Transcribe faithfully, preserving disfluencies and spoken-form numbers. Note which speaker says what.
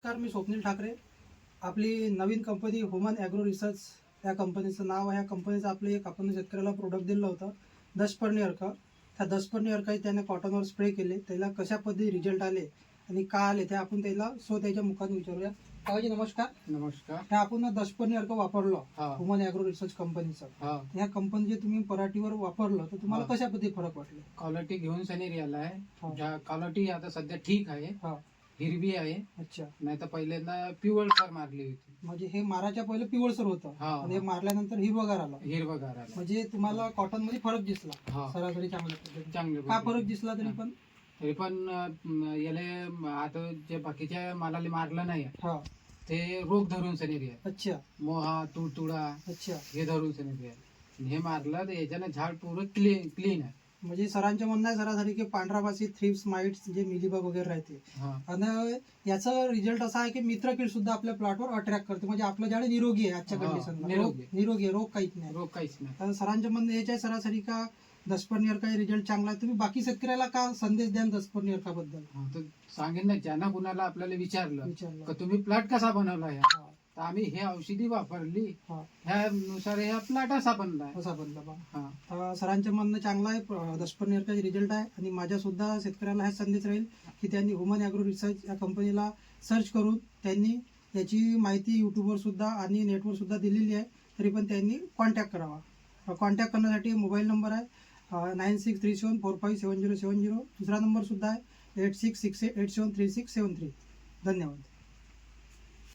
Speaker 1: नमस्कार, मी स्वप्नील ठाकरे. आपली नवीन कंपनी ह्युमन ॲग्रो रिसर्च या कंपनीचं नाव आहे. या कंपनीचं आपले एक आपण शेतकऱ्याला प्रोडक्ट दिलं होतं दशपर्णी अर्क. त्या दशपर्णी अर्क त्याने कॉटनवर स्प्रे केले. त्याला कशा पद्धती रिझल्ट आले आणि का आले ते आपण त्याला सो त्याच्या मुखात विचारूया. काकाजी नमस्कार.
Speaker 2: नमस्कार.
Speaker 1: हे आपण दशपर्णी अर्क वापरलं
Speaker 2: हा.
Speaker 1: ह्युमन ॲग्रो रिसर्च कंपनीचं.
Speaker 2: हा,
Speaker 1: या कंपनीचे तुम्ही पराठीवर वापरलं तर तुम्हाला
Speaker 2: हा.
Speaker 1: कशा पद्धती फरक वाटले?
Speaker 2: क्वालिटी घेऊन सनी आलाय.
Speaker 1: हा.
Speaker 2: ज्या क्वालिटी आता सध्या ठीक आहे,
Speaker 1: हा,
Speaker 2: हिरवी आहे.
Speaker 1: अच्छा.
Speaker 2: नाही तर पहिल्यांदा पिवळसर मारली होती.
Speaker 1: म्हणजे हे माराच्या पहिले पिवळसर होतं
Speaker 2: हा.
Speaker 1: आणि हे मारल्यानंतर हिरवगार आला.
Speaker 2: हिरवगार आला.
Speaker 1: म्हणजे तुम्हाला कॉटन मध्ये फरक दिसला.
Speaker 2: हा.
Speaker 1: सरासरी चांगल्या पद्धतीने.
Speaker 2: चांगले
Speaker 1: का फरक दिसला तरी पण?
Speaker 2: तरी पण अं, याले आता जे बाकीच्या मालाला मारलं नाही
Speaker 1: हा,
Speaker 2: ते रोग धरून सनी
Speaker 1: अच्छा
Speaker 2: मोहा तुडतुडा
Speaker 1: अच्छा.
Speaker 2: हे धरून सनी हे मारलं तर याच्यानं झाड पूर्ण क्लीन क्लीन आहे.
Speaker 1: म्हणजे सरांचे म्हणणं आहे सरासरी की पांढरापासी थ्रिप्स माइट्स जे मिलीबग वगैरे राहते
Speaker 2: हा.
Speaker 1: आणि याचा रिझल्ट असा आहे की मित्रकीड सुद्धा आपल्या प्लॉटवर अट्रॅक्ट करते. म्हणजे आपलं झाड निरोगी आहे आजच्या
Speaker 2: हा,
Speaker 1: कंडिशनला.
Speaker 2: निरोगी.
Speaker 1: निरोगी आहे, रोग काहीच नाही.
Speaker 2: रोग काहीच नाही.
Speaker 1: तर सरांचे म्हणणं हेच आहे सरासरी का दशपर्णी काही रिझल्ट चांगला आहे. तुम्ही बाकी शेतकऱ्याला का संदेश द्या दशपर्णी अर्काबद्दल?
Speaker 2: हा, तर सांगेन ना, ज्यांना कुणाला आपल्याला विचारलं
Speaker 1: विचारलं.
Speaker 2: का तुम्ही प्लॉट कसा बनवला या,
Speaker 1: हा,
Speaker 2: तर आम्ही हे औषधी वापरली,
Speaker 1: हा,
Speaker 2: ह्यानुसार या प्लॉट असा बनला.
Speaker 1: असा बदला बा.
Speaker 2: हा.
Speaker 1: तर सरांचं म्हणणं चांगलं आहे. दशपर्णी अर्काचे रिझल्ट आहे आणि माझ्या सुद्धा शेतकऱ्याला हा संदेश राहील की त्यांनी ह्युमन ॲग्रो रिसर्च या कंपनीला सर्च करून त्यांनी याची माहिती यूट्यूबवर सुद्धा आणि नेटवर सुद्धा दिलेली आहे. तरी पण त्यांनी कॉन्टॅक्ट करावा. कॉन्टॅक्ट करण्यासाठी मोबाईल नंबर आहे nine six three seven four five seven zero seven zero. दुसरा नंबर सुद्धा आहे eight six six eight seven three six seven three. धन्यवाद.